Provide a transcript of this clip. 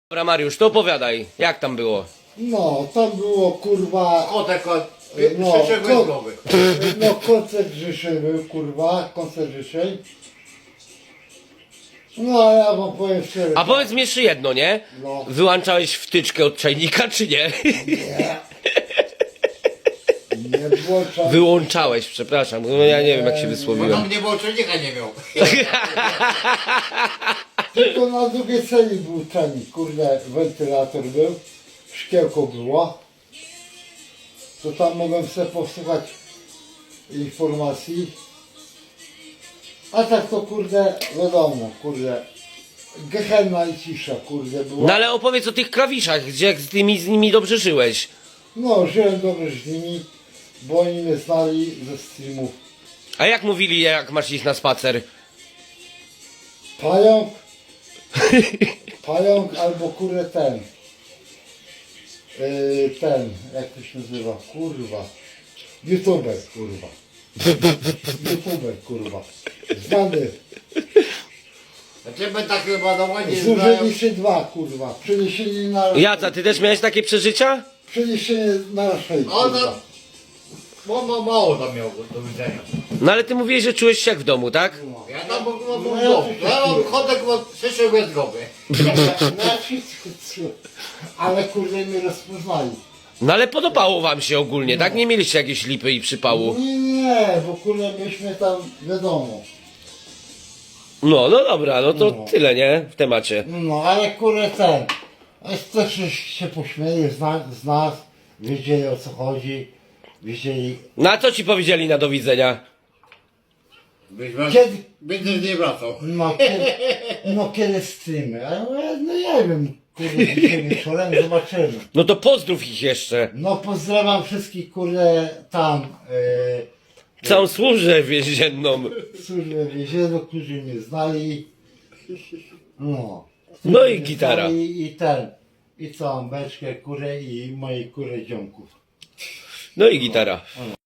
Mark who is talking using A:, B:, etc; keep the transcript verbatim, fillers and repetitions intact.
A: Dobra Mariusz, to opowiadaj, jak tam było?
B: No, tam było kurwa.
C: Kotek od
B: No,
C: trzeciego
B: ko-
C: głowy.
B: no koncert życzeń był kurwa, koncert życzeń. No a ja wam powiem szczerze.
A: A powiedz mi jeszcze jedno, nie?
B: No.
A: Wyłączałeś wtyczkę od czajnika, czy nie?
B: Nie. Nie było czasu.
A: Wyłączałeś, przepraszam, no ja nie wiem jak się
C: Bo
A: wysłowiłem.
C: tam nie było czujnika, nie miał.
B: Tylko na drugiej celi był ten, kurde, wentylator był, szkiełko było. To tam mogłem sobie posłuchać informacji. A tak to kurde, wiadomo, kurde, gehenna i cisza, kurde, była.
A: No ale opowiedz o tych klawiszach, gdzie jak z tymi z nimi dobrze żyłeś.
B: No, żyłem dobrze z nimi, bo oni mnie znali ze streamów.
A: A jak mówili, jak masz iść na spacer?
B: Pająk, pająk albo kurde ten, yy, ten, jak to się nazywa, kurwa, youtuber, kurwa, youtuber, kurwa, znany,
C: A ciebie tak chyba no ładnie znają.
B: zużyli się dwa, kurwa, przeniesienie na,
A: Jaca, ty też miałeś takie przeżycia?
B: przeniesienie na raszej,
C: O,
B: kurwa.
C: no, bo ma, mało tam miał do widzenia.
A: No ale ty mówiłeś, że czułeś się jak w domu, tak?
C: Ja tam mam
B: No,
C: mam
B: ja
C: dom.
B: też
C: Ja mam
B: tak
C: kotek od trzeciego głowy.
B: Na wszystko, co- ale kurde mnie rozpoznali.
A: No ale podobało wam się ogólnie, tak? Nie mieliście jakiejś lipy i przypału.
B: Nie, nie, bo kurde myśmy tam, wiadomo.
A: No, no dobra, no to
B: No.
A: tyle, nie? W temacie.
B: No, ale kurde ten, też się pośmieje z nas, z nas, wiedzieli o co chodzi, wiedzieli,
A: No a co ci powiedzieli na do widzenia?
C: Byś
B: Kiedy?
C: Będę nie wracał.
B: no kiedy, no kiedy streamy, a ja mówię, no nie wiem, kurde dzisiaj wieczorem zobaczymy.
A: No to pozdrów ich jeszcze.
B: No pozdrawiam wszystkich kurde tam, yy,
A: Całą służbę więzienną.
B: służbę więzienną, którzy mnie znali, no.
A: No i
B: Mnie
A: gitara.
B: znali I ten, i całą beczkę kurę i moje kurę ziomków.
A: No i gitara.